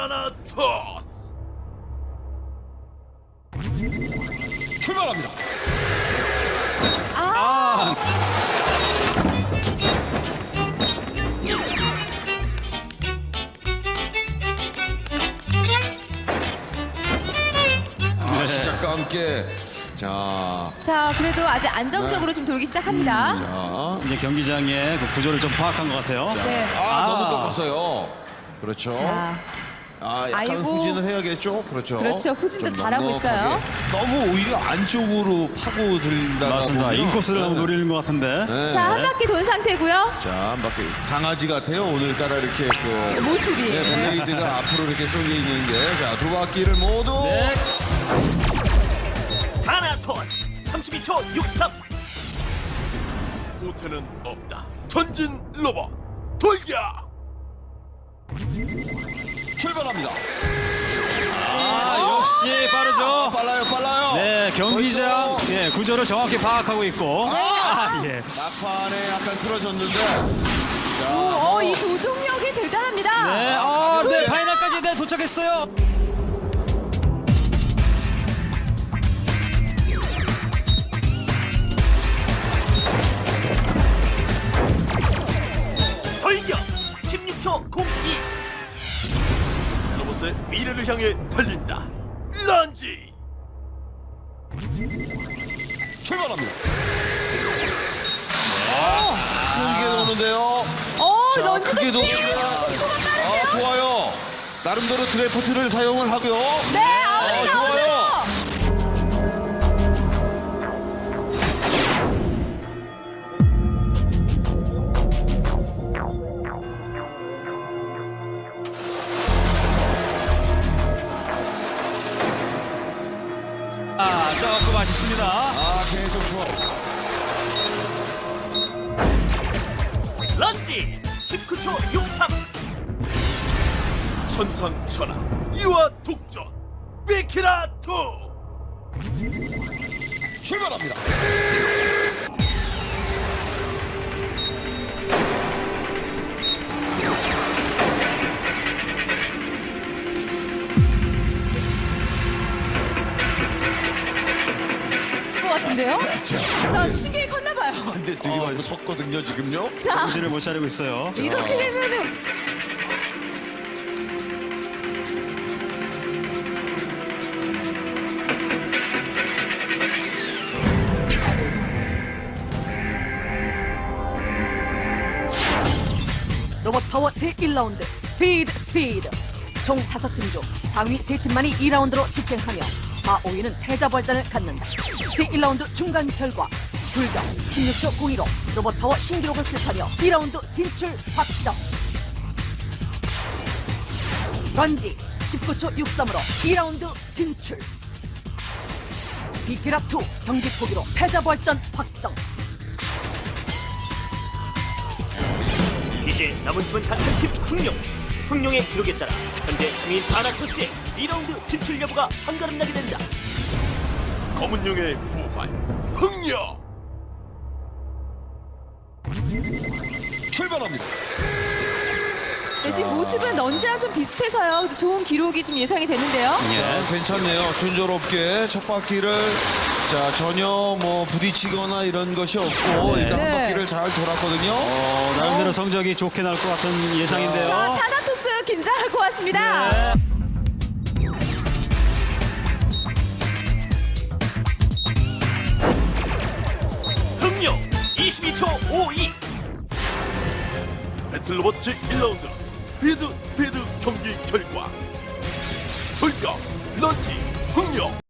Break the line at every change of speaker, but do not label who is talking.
타나토스
출발합니다. 시작과 함께
자, 그래도 아직 안정적으로 좀 돌기 시작합니다.
이제 경기장의 그 구조를 좀 파악한 것 같아요.
네.
너무 꺾었어요. 그렇죠.
자,
약간
아이고.
후진을 해야겠죠. 그렇죠.
그렇죠. 후진도
좀
잘하고
넉넉하게.
있어요.
너무 오히려 안쪽으로 파고 들다가
맞습니다.
보면
인코스를 너무 노리는 것 같은데.
네.
자, 한 바퀴 돈 상태고요.
자, 한 바퀴 강아지 같아요. 오늘따라 이렇게 그
모습이.
블레이드가 앞으로 이렇게 쏠려 있는 게. 자, 두 바퀴를 모두
네.
타나토스 32초 63 후퇴는 없다. 전진 로봇 돌격.
출발합니다.
역시 빠르죠.
빨라요.
네, 경기장
벌써.
예, 구조를 정확히 파악하고 있고. 예.
막판에 약간 틀어졌는데. 자,
이 조종력이 대단합니다.
네, 네, 파이널까지 네, 도착했어요.
돌격 16초 02 로봇의 미래를 향해 달린다. 런지
출발합니다. 크게 도는데요. 자,
런지도
크게 도는데요.
속도가 빠르네요.
좋아요. 나름대로 드래프트를 사용을 하고요.
네, 아웃이
좋아요.
나오네요.
조금 아쉽습니다.
계속 좋아.
런지 19초 63 천상천하 이와 독전 비키라 2
출발합니다.
것 같은데요? 자, 추격이 컸나봐요.
근데 들이마고 섰거든요, 지금요.
자,
정신을 못 차리고 있어요.
이렇게 되면은
로봇 파워 제1라운드 스피드 총 5팀 중 상위 3팀만이 2라운드로 집행하며 마 5위는 패자부활전을 갖는다. 제1라운드 중간 결과 불경 16초 02로 로봇 파워 신기록을 슬하며 2라운드 진출 확정. 런지 19초 63으로 2라운드 진출. 비키라2 경기 포기로 패자부활전 확정.
이제 남은 팀은 단 한 팀 흥룡의 기록에 따라 현재 3위인 타나토스의 2라운드 진출 여부가 한가름 나게 된다. 검은룡의 부활 흥룡
출발합니다.
네, 지금 모습은 런지랑 좀 비슷해서요. 좋은 기록이 좀 예상이 되는데요.
괜찮네요. 순조롭게 첫 바퀴를 전혀 뭐 부딪히거나 이런 것이 없고 일단 한
네.
바퀴를 잘 돌았거든요.
나름대로 성적이 좋게 나올 것 같은 예상인데요.
자, 타나토스 긴장할 것 같습니다.
네.
흥룡 22초 52 배틀로봇 제1라운드 스피드 경기 결과 돌격 런지 흥룡